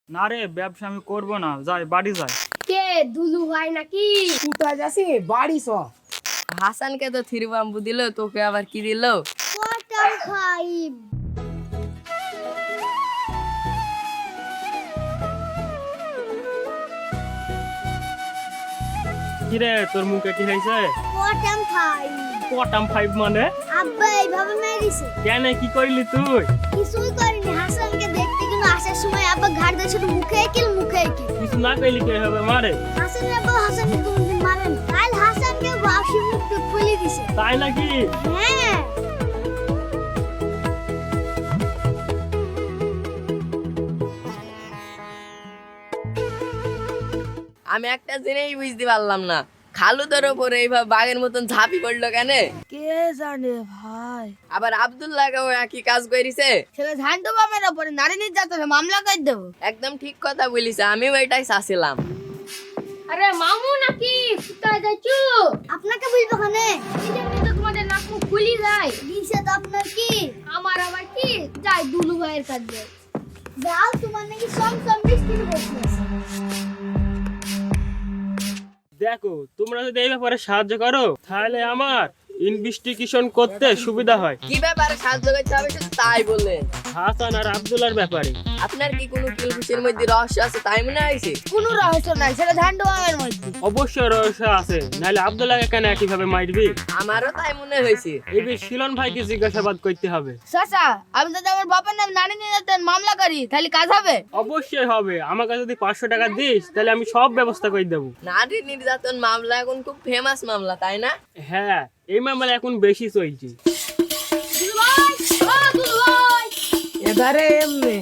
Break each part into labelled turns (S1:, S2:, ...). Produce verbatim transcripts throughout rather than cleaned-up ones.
S1: না রে, ব্যবসা আমি করবো না, যাই বাড়ি যাই।
S2: কে দুলু ভাই নাকি?
S3: কোথায় যাচ্ছি? বাড়ি চ।
S4: হাসানকে তো থ্রি বাম্বু দিল, তোকে আবার কি দিল?
S2: Quarter five.
S1: কিরে তোর মুখে কি হয়েছে?
S2: Quarter five.
S1: কোয়াটাম ফাইভ মানে?
S2: আব্বা এইভাবে মেরেছে।
S1: কেন, কি করলি তুই?
S2: কিছুই করিনি, হাসানকে দেখতে কিন্তু আসার সময় আব্বা ঘাট দিয়ে শুধু মুখে একিল মুখে একিল।
S1: কিছু না করলি কে হবে মারে?
S2: হাসান আব্বা হাসানকে কোনদিন মারেন, কাল হাসানকে বাসি মুখে খুলে দিছে।
S1: তাই নাকি?
S2: হ্যাঁ।
S4: আমি একটা জিনিস বুঝতে পারলাম না, খালু তোর ওপরে এইভাবে বাঘের মতন ঝাঁপি পড়লো কেন?
S5: কে জানে ভাই।
S4: আবার আব্দুল্লাহকেও একই কাজ করেছে।
S5: ছেলে ঝান্টু বামের ওপরে নারী নির্যাতনে মামলা করে দেবো।
S4: একদম ঠিক কথা বলিস, আমিও এটাই চাচ্ছিলাম।
S2: আরে মামু নাকি কোথায় যাচ্ছো? আপনাকে বলবো খানে, এই জন্য তো তোমাদের নাক মুখ খুলি যায়। নিষেধ আপনার কি? আমার আবার কি? যাই দুলু ভাইয়ের কাছে যাও, তোমার নাকি সব সব মিষ্টি বলতেছে।
S1: দেখো, তোমরা যদি এই ব্যাপারে সাহায্য করো তাহলে আমার ইনভেস্টিগেশন করতে সুবিধা হয়।
S4: কি ব্যাপারে সাহায্য করতে হবে শুধু তাই বললেন?
S1: হাসান আর আব্দুল্লাহর ব্যাপারে।
S4: আপনার কি কোনো কিলফিশের মধ্যে রহস্য আছে তাই মনে হয়েছে?
S5: কোনো রহস্য নাই, সেটা ঝান্টু বামের মধ্যে।
S1: অবশ্যই রহস্য আছে, নাহলে আব্দুল্লাহকে কেন একইভাবে মারবি?
S4: আমারও তাই মনে হয়েছে।
S1: এই বিষয়ে শিলন ভাইকে জিজ্ঞাসাবাদ করতে হবে।
S5: চাচা, আমি যদি আমার বাবার নাম নারী নির্যাতন মামলা করি তাহলে কাজ হবে?
S1: অবশ্যই হবে, আমাকে যদি পাঁচশো টাকা দিস তাহলে আমি সব ব্যবস্থা করে দেবো।
S4: নারী নির্যাতন মামলা এখন খুব ফেমাস মামলা, তাই না?
S1: হ্যাঁ, এই মামলা এখন বেশি চলছে।
S2: দুলু ভাই, ও দুলু ভাই,
S3: এধারে এমনি।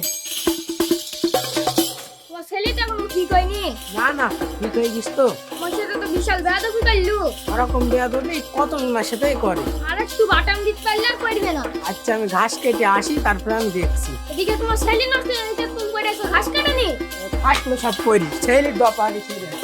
S2: তোমার ছেলেটা কোনো ঠিক হয়নি।
S3: না না, ঠিক হয়ে গেছ তো।
S2: তোমার সাথে তো বিশাল বেয়াদবি করলু।
S3: ওরকম বেয়াদবি কত জনের সাথেই করে।
S2: আর একটু বাটাম দিতে পারলে আর করবে না।
S3: আচ্ছা, আমি ঘাস কেটে আসি, তারপরে আমি দেখছি।
S2: এদিকে তোমার ছেলে নষ্ট হয়ে গেছে, তুমি করে এসো ঘাস কাটানি।
S3: ফাটলো সব করি, ছেলের ডপা গেছি রে।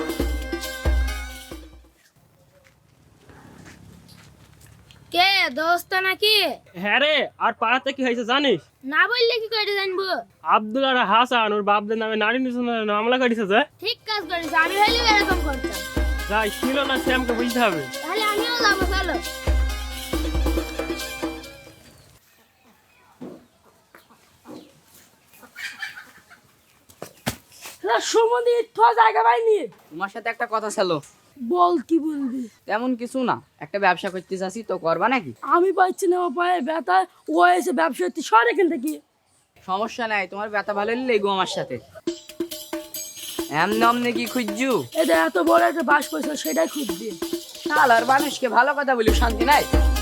S2: কে দোস্ত নাকি?
S1: হ্যাঁ রে, আর পাড়াতে কি হয়েছে জানিস?
S2: না বললে কি করে জানবো?
S1: আব্দুল আর হাসান ওর বাপদের নামে নারী নির্যাতনের মামলা করেছে। যে
S2: ঠিক কাজ করেছে, আমি হইলেও এরকম করতাম।
S1: যাই ছিল না, শ্যামকে বুঝতে হবে।
S2: তাহলে আমিও যাবো, চলো।
S5: সুমন্দি তো জায়গা পাইনি।
S6: তোমার সাথে একটা কথা ছিল।
S5: বল, কি বলবি?
S6: তেমন কিছু না, একটা ব্যবসা করতে চাচ্ছি, তো করবা নাকি?
S5: আমি পাচ্ছি না, আমার পায়ে ব্যথা। ও এসে ব্যবসা করতে সর এখান থেকে।
S6: সমস্যা নাই, তোমার ব্যথা ভালো হলে লেগো আমার সাথে। এমনি অমনি কি খুঁজছু?
S5: এদের এত বড় একটা বাস পয়সা, সেটাই খুঁজবি।
S6: শাল আর মানুষকে ভালো কথা বলি শান্তি নাই।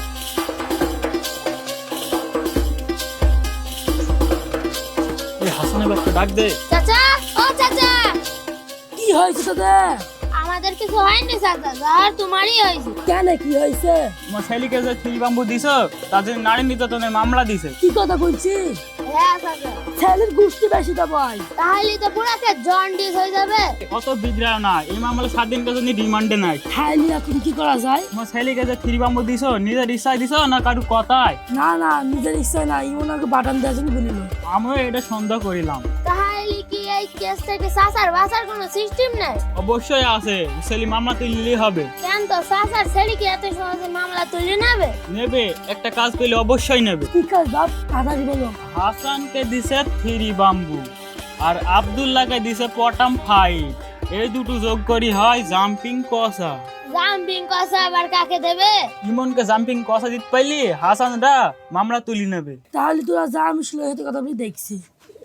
S1: এই হাসানের বাপকে ডাক দে।
S2: চাচা, ও চাচা,
S5: কি হয়েছে তোদের?
S2: আমাদের কিছু হয়নি চাচা, আর তোমারই হয়েছে।
S5: কেন, কি হয়েছে?
S1: তোমার ছেলেকে যে থ্রি বাম্বু দিছ, তাদের নারী নির্যাতনের মামলা দিছে।
S5: কি কথা বলছিস?
S2: হ্যাঁ চাচা।
S5: ছেলের গোষ্ঠী বেশি তো ভাই।
S2: তাহলে তো পুরাকে জন্ডিস হয়ে যাবে।
S1: অত বিদ্রাও না, এই মামলা সাত দিন পর্যন্ত রিমান্ডে নাই।
S5: খাইলি এখন কি করা যায়?
S1: তোমার ছেলেকে যে থ্রি বাম্বু দিছ, নিজের ইচ্ছায় দিছ না কারু কথায়?
S5: না না, নিজের ইচ্ছায় না, ইমন আমাকে বাটান দেওয়ার জন্য বলিল।
S1: আমিও এটা সন্দেহ করিলাম।
S2: তাহলে কি এই কেস থেকে চাচার বাঁচার কোনো সিস্টেম নাই?
S1: অবশ্যই আছে, ছেলে মামলা তুললেই হবে।
S2: কেন তো চাচার ছেলে কি এত সহজে মামলা তুলে নেবে?
S1: নেবে, একটা কাজ করলে অবশ্যই নেবে।
S5: কি কাজ বাপ, তাড়াতাড়ি বলো।
S1: হাসানকে দিছে থ্রি বাম্বু আর আব্দুল্লাহকে দিছে পটাম ফাইভ। এই দুটো যোগ করি হয় জাম্পিং কষা।
S2: জাম্পিং কষা আবার কাকে দেবে?
S1: ইমনকে জাম্পিং কষা দিতে পাইলি হাসানরা মামলা তুলি নেবে।
S5: তাহলে তোরা যা, আমি শুনে হতে কথা বলে দেখছি।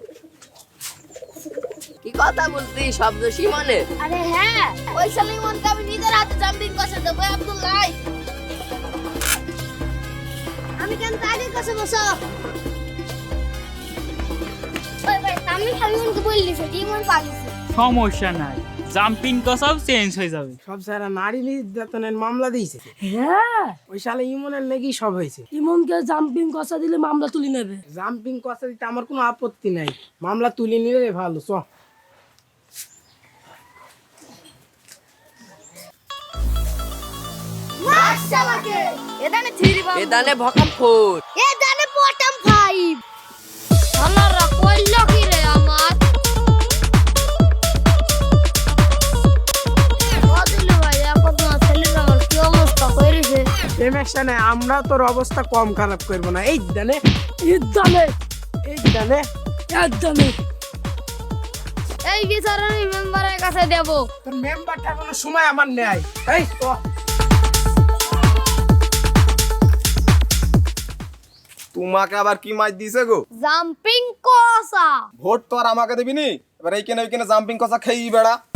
S4: কি কথা বলতি? শব্দ সীমনের।
S2: আরে হ্যাঁ, ওই সালিমনকে আমি নিজের হাতে জাম্পিং কষা দেবো। আব্দুল্লাহ, আমি কেন তাকে কষা বসো? ওই ভাই, আমি সালিমনকে বললি সে ইমন পালিছে।
S1: সমস্যা নাই, জাম্পিং কষাও চেঞ্জ হয়ে যাবে।
S3: সব সারা নারী নির্যাতনের মামলা দিয়েছে।
S5: হ্যাঁ,
S3: ওই শালা ইমনের লেগেই সব হয়েছে।
S5: ইমনকে জাম্পিং কষা দিলে মামলা তুলে নেবে।
S3: জাম্পিং কথা দিতে আমার কোনো আপত্তি নাই, মামলা তুলে নিলে ভালো। চ।
S2: মাশাআল্লাহকে এদানে থ্রি বাম্বু,
S4: এদানে ভকাম ফোর।
S2: এদানে পটাম ফাইভ। আল্লাহরা কইলো কি রে আমার?
S3: সমস্যা নাই, আমরা তোর অবস্থা কম খারাপ করবো না। এই দানে এই দানে এই দানে এই দানে
S2: এই বিচার আমি মেম্বারের কাছে দেব।
S3: তোর মেম্বারটা কোনো সময় আমার নেই। এই তো
S7: তোমাকে আবার কি মাইর দিছে গো?
S2: জাম্পিং কসা।
S7: ভোট তো আর আমাকে দিবি নি, এবার এইখানে ওইখানে জাম্পিং কষা খেয়েই বেড়া।